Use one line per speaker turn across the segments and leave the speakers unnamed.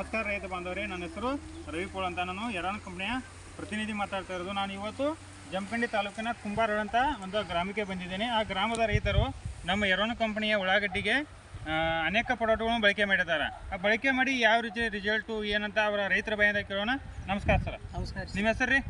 ನಮಸ್ಕಾರ ರೈತ ಬಾಂಧವರೇ, ನನ್ನ ಹೆಸರು ರವಿ ಪೋಳ್ ಅಂತ. ನಾನು ಯರಾನ್ ಕಂಪ್ನಿಯ ಪ್ರತಿನಿಧಿ ಮಾತಾಡ್ತಾ ಇರೋದು. ನಾನು ಇವತ್ತು ಜಮಖಂಡಿ ತಾಲೂಕಿನ ಕುಂಬಾರ ಅಂತ ಒಂದು ಗ್ರಾಮಕ್ಕೆ ಬಂದಿದ್ದೇನೆ. ಆ ಗ್ರಾಮದ ರೈತರು ನಮ್ಮ ಯರಾನ್ ಕಂಪ್ನಿಯ ಉಳ್ಳಾಗಡ್ಡಿಗೆ ಅನೇಕ ಪ್ರಾಡಕ್ಟ್ಗಳನ್ನು ಬಳಕೆ ಮಾಡಿದ್ದಾರೆ. ಆ ಬಳಕೆ ಮಾಡಿ ಯಾವ ರೀತಿ ರಿಸಲ್ಟು ಏನಂತ ಅವರ ರೈತರ ಬಾಯಿಂದ ಕೇಳೋಣ. ನಮಸ್ಕಾರ ಸರ್.
ನಮಸ್ಕಾರ.
ನಿಮ್ಮ ಹೆಸರು ರೀ?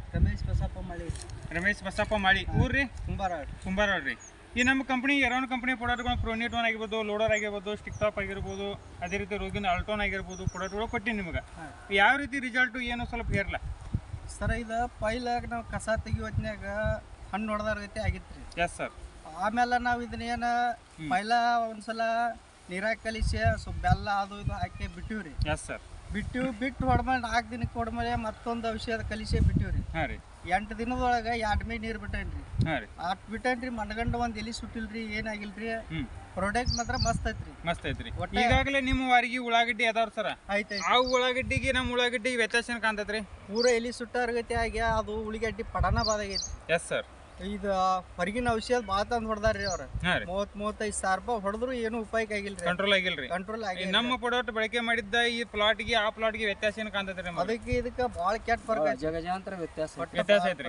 ರಮೇಶ್ ಬಸಪ್ಪ ಮಾಳಿ. ಊರು ರೀ? ಕುಂಬಾರ ರೀ. ಈ ನಮ್ಮ ಕಂಪ್ನಿ ಯರಾನ್ ಕಂಪ್ನಿ ಪ್ರಾಡಕ್ಟ್ಗಳು ಪ್ರೊನಿಟೋನ್ ಆಗಿರ್ಬೋದು, ಲೋಡರ್ ಆಗಿರ್ಬೋದು, ಸ್ಟಿಕ್ ಟಾಪ್ ಆಗಿರ್ಬೋದು, ಅದೇ ರೀತಿ ರೋಗಿನ ಅಲ್ಟೋನ್ ಆಗಿರ್ಬೋದು ಪ್ರಾಡಕ್ಟ್ಗಳು ಕೊಟ್ಟಿನಿ ನಿಮ್ಗೆ. ಯಾವ ರೀತಿ ರಿಸಲ್ಟು ಏನು ಸ್ವಲ್ಪ ಹೇರಲ್ಲ
ಸರ್. ಇದು ಪೈಲಾಗ ನಾವು ಕಸ ತೆಗಿಯೋತ್ನ್ಯಾಗ ಹಣ್ಣು ಹೊಡೆದ ರೀತಿ ಆಗಿತ್ತು ರೀ.
Yes sir.
ಆಮೇಲೆ ನಾವು ಇದನ್ನೇನು ಪೈಲ ಒಂದ್ಸಲ ನೀರಾಗ ಕಲಿಸಿ ಸ್ವಲ್ಪ ಬೆಲ್ಲ ಅದು ಇದು ಹಾಕಿ ಬಿಟ್ಟಿವಿ ರೀ.
Yes sir.
ಬಿಟ್ಟು ಹೊಡ್ಮೇಲೆ 4 ದಿನಕ್ಕೆ ಹೊಡ್ಮೇಲೆ ಮತ್ತೊಂದು ಔಷಧ ಕಲಿಸಿ ಬಿಟ್ಟಿವಿ ರೀ.
ಹಾಂ ರೀ.
8 ದಿನದೊಳಗೆ 2 ಮೇ ನೀರು ಬಿಟ್ಟೇನ್ರಿ.
ಹಾಂ ರೀ.
ಅಟ್ ಬಿಟ್ಟೇನ್ರಿ. ಮನಗಂಡು ಒಂದು ಎಲಿ ಸುಟ್ಟಿಲ್ರಿ, ಏನಾಗಿಲ್ರಿ. ಪ್ರಾಡಕ್ಟ್ ಮಾತ್ರ ಮಸ್ತ್ ಐತ್ರಿ.
ಮಸ್ತ್ ಐತ್ರಿ. ಈಗಾಗಲೇ ನಿಮ್ಮ ವಾರಿಗೆ ಉಳ್ಳಾಗಡ್ಡಿ ಅದಾವ್ರಿ ಸರ್?
ಐತೆ.
ಆ ಉಳ್ಳಾಗಡ್ಡಿಗೆ ನಮ್ಮ ಉಳ್ಳಾಗಡ್ಡಿಗೆ ವ್ಯತ್ಯಾಸ ಏನು ಕಾಣ್ತೈತ್ರಿ?
ಪೂರ ಎಲಿ ಸುಟ್ಟಾರ್ಗತಿ ಆಗಿ ಅದು ಉಳ್ಳಾಗಡ್ಡಿ ಪಡನ ಬಾದಾಗೈತಿ.
Yes sir.
ಇದು ಹೊರಗಿನ ಔಷಧ ಭಾಳ ತಂದು ಹೊಡೆದಾರ್ರಿ ಅವ್ರು. 30-35 ಸಾವಿರ ರೂಪಾಯಿ ಹೊಡೆದ್ರು ಏನು ಉಪಾಯಕ್ಕೆ ಆಗಿಲ್ರಿ.
ಕಂಟ್ರೋಲ್ ಆಗಿಲ್ಲ. ನಮ್ಮ ಪ್ರಾಡಕ್ಟ್ ಬಳಕೆ ಮಾಡಿದ್ದ ಈ ಪ್ಲಾಟ್ಗೆ ಆ ಪ್ಲಾಟ್ಗೆ ವ್ಯತ್ಯಾಸ ಏನು ಕಾಣ್ತೈತ್ರಿ?
ಅದಕ್ಕೆ ಇದಕ್ಕೆ ಭಾಳ ಕೆಟ್ಟ ಫರ್ಕ್,
ಜಗಜಾಂತರ ವ್ಯತ್ಯಾಸ
ಐತ್ರಿ.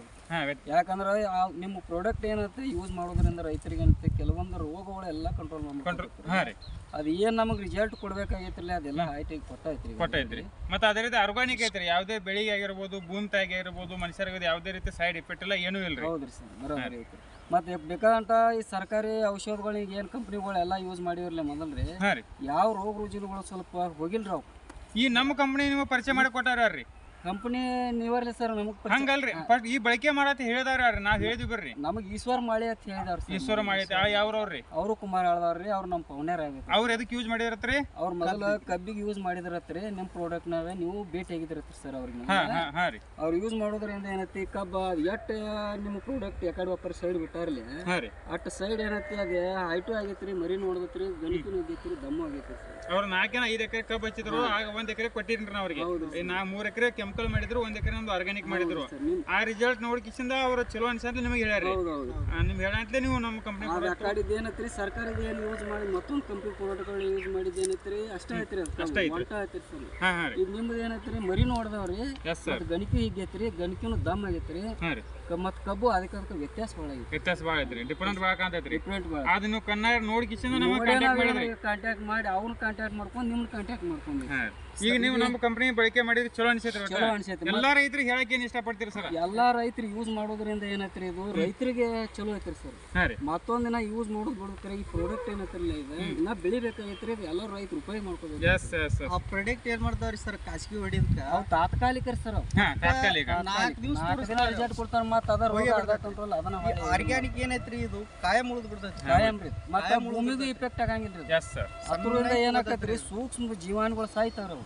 ಯಾಕಂದ್ರೆ ನಿಮ್ಮ ಪ್ರಾಡಕ್ಟ್ ಏನಂತ ಯೂಸ್ ಮಾಡೋದ್ರಿಂದ ರೈತರಿಗೆ ಏನಂತ ಕೆಲವೊಂದು ರೋಗಗಳೆಲ್ಲ ಕಂಟ್ರೋಲ್ ಮಾಡ್ತಾರೆ. ಅದು ಏನ್ ನಮಗೆ ರಿಸಲ್ಟ್ ಕೊಡ್ಬೇಕಾಗೈತ್ರಲ್ಲ ಅದೆಲ್ಲ ಐಟಿಗೆ
ಕೊಟ್ಟೈತ್ರಿ. ಮತ್ತೆ ಅದೇ ರೀತಿ ಆರ್ಗಾನಿಕ್ ಐತ್ರಿ. ಯಾವುದೇ ಬೆಳಿಗ್ಗೆ ಆಗಿರ್ಬೋದು, ಭೂಮಿ ಆಗಿರ್ಬೋದು, ಮನುಷ್ಯರಿಗೆ ಯಾವುದೇ ರೀತಿ ಸೈಡ್ ಎಫೆಕ್ಟ್ ಇಲ್ಲ, ಏನೂ ಇಲ್ರಿ.
ಹೌದ್ರಿ ಸರ್, ಬರೋಬರಿ ಐತ್ರಿ. ಮತ್ತೆ ಬೇಕಾದಂತ ಈ ಸರ್ಕಾರಿ ಔಷಧಗಳಿಗೆ ಏನ್ ಕಂಪ್ನಿಗಳೆಲ್ಲ ಯೂಸ್ ಮಾಡಿರ್ಲಿ ಮೊದಲ್ರಿ, ಯಾವ ರೋಗ ರುಜಿನಗಳು ಸ್ವಲ್ಪ ಹೋಗಿಲ್ರಿ ಅವು.
ಈ ನಮ್ಮ ಕಂಪ್ನಿ ನಿಮಗೆ ಪರಿಚಯ ಮಾಡಿ ಕೊಟ್ಟಾರ್ರಿ.
Company ನೀವರ್ಲಿ sir. ನಮಗ್
ಹಂಗಲ್ರಿ, ಫಸ್ಟ್ ಈ ಬಳಕೆ ಮಾಡತ್ ಹೇಳಿದಾರ್ರಿ. ನಾವ್ ಹೇಳಿದ್ವಿ ಬರ್ರಿ.
ನಮಗ್ ಈಶ್ವರ ಮಾಳಿ ಅಂತ ಹೇಳಿದಾರ.
ಈಶ್ವರ ಮಾಳಿ ಯಾವ್ರವ್ರಿ?
ಅವರು ಕುಮಾರ್ ಹೇಳ್ದಾರ್ರಿ. ಅವ್ರು ನಮ್ಮ ಪೌನ್ಯಾರ ಆಗೈತಿ.
ಅವ್ರು ಎದಕ್ ಯೂಸ್ ಮಾಡಿದ್ರತ್ರಿ?
ಅವ್ರ ಮೊದಲ ಕಬ್ಬಿಗೆ ಯೂಸ್ ಮಾಡಿದ್ರತ್ರಿ. ನಿಮ್ ಪ್ರಾಡಕ್ಟ್ ನಾವೇ ನೀವು ಭೇಟಿ ಆಗಿದ್ರತ್ರಿ ಸರ್ ಅವ್ರಿಗೆ. ಅವ್ರು ಯೂಸ್ ಮಾಡೋದ್ರಿಂದ ಏನೈತಿ, ಕಬ್ಬ ಎಟ್ ನಿಮ್ ಪ್ರಾಡಕ್ಟ್ ಯಾಕಡೆ ಒಬ್ಬರ ಸೈಡ್ ಬಿಟ್ಟಾರ್ಲಿ ಅಟ್ ಸೈಡ್ ಏನೈತಿ ಅದೇ ಹೈಟು ಆಗೈತ್ರಿ, ಮರಿ ನೋಡದತ್ರಿ, ಗಣಿಕಿನೂ ಆಗೈತ್ರಿ, ದಮ್ಮು ಆಗೈತ್ರಿ ಸರ್.
ಅವ್ರ 5 ಎಕರೆ ಕಬ್ಬು ಹಚ್ಚಿದ್ರು. ಆಗ 1 ಎಕರೆ ಕೊಟ್ಟಿನ್ರಿ ನಾ ಅವ್ರಿಗೆ. ನಾ 3 ಎಕರೆ ಕೆಮಿಕಲ್ ಮಾಡಿದ್ರು, 1 ಎಕರೆ ನಮ್ದು ಆರ್ಗಾನಿಕ್ ಮಾಡಿದ್ರು. ಆ ರಿಸಲ್ಟ್ ನೋಡ್ಕಿಸಿಂದ ಅವ್ರ ಚಲೋ ಅನ್ಸಂತ ನಿಮಗೆ ಹೇಳ್ಯಾರಿ. ನಿಮ್ಗೆ ಹೇಳಂತಲೇ ನೀವು ನಮ್ಮ ಕಂಪ್ನಿ
ಏನೈತ್ರಿ, ಸರ್ಕಾರದ ಏನು ಯೂಸ್ ಮಾಡಿ ಮತ್ತೊಂದು ಕಂಪ್ನಿ ಪ್ರಾಡಕ್ಟ್ಗಳು ಯೂಸ್ ಮಾಡಿದ್ ಏನೈತ್ರಿ ಅಷ್ಟೇ ಐತ್ರಿ. ಐತ್ರಿ ಸರ್. ಇದು ನಿಮ್ದು ಏನೈತ್ರಿ, ಮರಿ ನೋಡ್ದವ್ರಿ, ಗಣಿಕಿ ಹಿಗ್ಗೈತ್ರಿ, ಗಣಿಕಿನೂ ದಮ್ ಆಗೈತ್ರಿ, ಮತ್ ಕಬ್ಬು ಅದಕ್ಕೆ ವ್ಯತ್ಯಾಸ ಭಾಳ ಐತ್ರಿ. ಡಿಫರೆಂಟ್ ಭಾಳ ಕಾಣ್ತೈತ್ರಿ. ಅದನ್ನು ಕಣ್ಣಾರ ನೋಡ್ಕಿಸಿಂದ ಕಾಂಟ್ಯಾಕ್ಟ್ ಮಾಡಿ ಅವ್ನ ಕಾಂಟ್ಯಾಕ್ಟ್ ಮಾಡ್ಕೊಂಡು ನಿಮ್ನ ಕಾಂಟ್ಯಾಕ್ಟ್ ಮಾಡ್ಕೊಂಡು
ಈಗ ನೀವು ನಮ್ಮ ಕಂಪನಿ ಬಳಕೆ ಮಾಡಿದ್ರೆ ಚಲೋ ಅನ್ಸೈತ್ರಿ. ಎಲ್ಲಾ ರೈತರಿಗೆ ಹೇಳಕ್ ಏನ್ ಇಷ್ಟಪಡ್ತೀರಿ ಸರ್?
ಎಲ್ಲಾ ರೈತರಿಗೆ ಯೂಸ್ ಮಾಡೋದ್ರಿಂದ ಏನೈತ್ರಿ, ಇದು ರೈತರಿಗೆ ಚಲೋ ಐತ್ರಿ ಸರ್. ಮತ್ತೊಂದಿನ ಯೂಸ್ ಮಾಡೋದ್ ಬಿಡ್ತಾರೆ. ಈ ಪ್ರಾಡಕ್ಟ್ ಏನೈತ್ರಲ್ಲ, ಇದು ಇನ್ನ ಬೆಳಿಬೇಕಾಗೈತ್ರಿ. ಎಲ್ಲರೂ ರೈತರು ಉಪಯೋಗ ಮಾಡ್ಕೋಬೇಕು.
ಆ ಪ್ರಾಡಕ್ಟ್ ಏನ್ ಮಾಡ್ತಾವ್ರಿ ಸರ್, ಖಾಸಗಿ ಹೊಡಿದ್ಕ
ಅವ್ ತಾತ್ಕಾಲಿಕ ಸರ್.
ತಾತ್ಕಾಲಿಕ
4 ದಿವಸ
ರಿಸಲ್ಟ್ ಕೊಡ್ತಾರ. ಮತ್ತ ಅದರ ಕಂಟ್ರೋಲ್ ಅದನ್ನ
ಆರ್ಗ್ಯಾನಿಕ್ ಏನೈತ್ರಿ, ಇದು ಕಾಯಂ ಉಳಿದ್ ಬಿಡ್ತೈತಿ.
ಕಾಯಂ ರೀ. ಮತ್ತೆ ಭೂಮಿಗೂ ಇಫೆಕ್ಟ್ ಆಗಂಗಿಲ್ರಿ. ಅದರಿಂದ ಏನಾಕತ್ರಿ, ಸೂಕ್ಷ್ಮ ಜೀವಾಣುಗಳು ಸಾಯ್ತಾರ.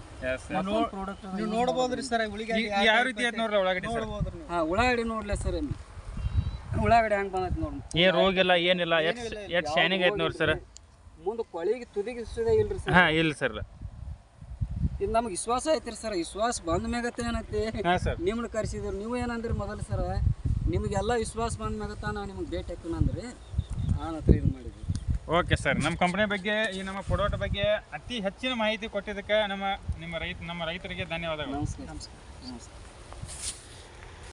ನೀವು ನೋಡ್ಬೋದ್ರಿ ಸರ್ ಉಳ್ಳಾಗಡ್ಡಿ
ಯಾವ ರೀತಿ ಐತ್ ನೋಡ್ರಿ ಉಳ್ಳಾಗಡ್ಡಿ.
ಉಳ್ಳಾಗಡ್ಡಿ ನೋಡ್ಲಿ ಸರ್, ಉಳ್ಳಾಗಡ್ಡಿ ಹೆಂಗ್ ಬಂದೈತಿ ನೋಡ್ರಿ.
ಏನ್ ರೋಗ ಇಲ್ಲ ಏನಿಲ್ಲ, ಎಷ್ಟ್ ಶೈನಿಂಗ್ ಐತಿ ನೋಡ್ರಿ ಸರ್.
ಮುಂದೆ ಕೊಳಿಗೆ ತುದಿಗೆ ಸುದೇ ಇಲ್ರಿ ಸರ್.
ಇಲ್ಲ ಸರ್.
ಇದು ನಮ್ಗೆ ವಿಶ್ವಾಸ ಐತ್ರಿ ಸರ್. ವಿಶ್ವಾಸ ಬಂದ ಮ್ಯಾಗತ್ತೆ ಏನೈತಿ, ನಿಮ್ನ ಕರ್ಸಿದ್ರು. ನೀವು ಏನಂದ್ರಿ ಮೊದಲು ಸರ್, ನಿಮಗೆಲ್ಲ ವಿಶ್ವಾಸ ಬಂದ ಮ್ಯಾಗತ್ತ ನಾವು ನಿಮ್ಗೆ ಭೇಟಿ ಹಾಕೋಣಂದ್ರಿ. ಆ ಹತ್ರ ಇದು ಮಾಡಿದ್ವಿ.
Okay sir. ನಮ್ಮ ಕಂಪನಿ ಬಗ್ಗೆ, ಈ ನಮ್ಮ ಪ್ರಾಡಕ್ಟ್ ಬಗ್ಗೆ ಅತಿ ಹೆಚ್ಚಿನ ಮಾಹಿತಿ ಕೊಟ್ಟಿದ್ದಕ್ಕೆ ನಮ್ಮ ರೈತರಿಗೆ ಧನ್ಯವಾದಗಳು.
ನಮಸ್ಕಾರ.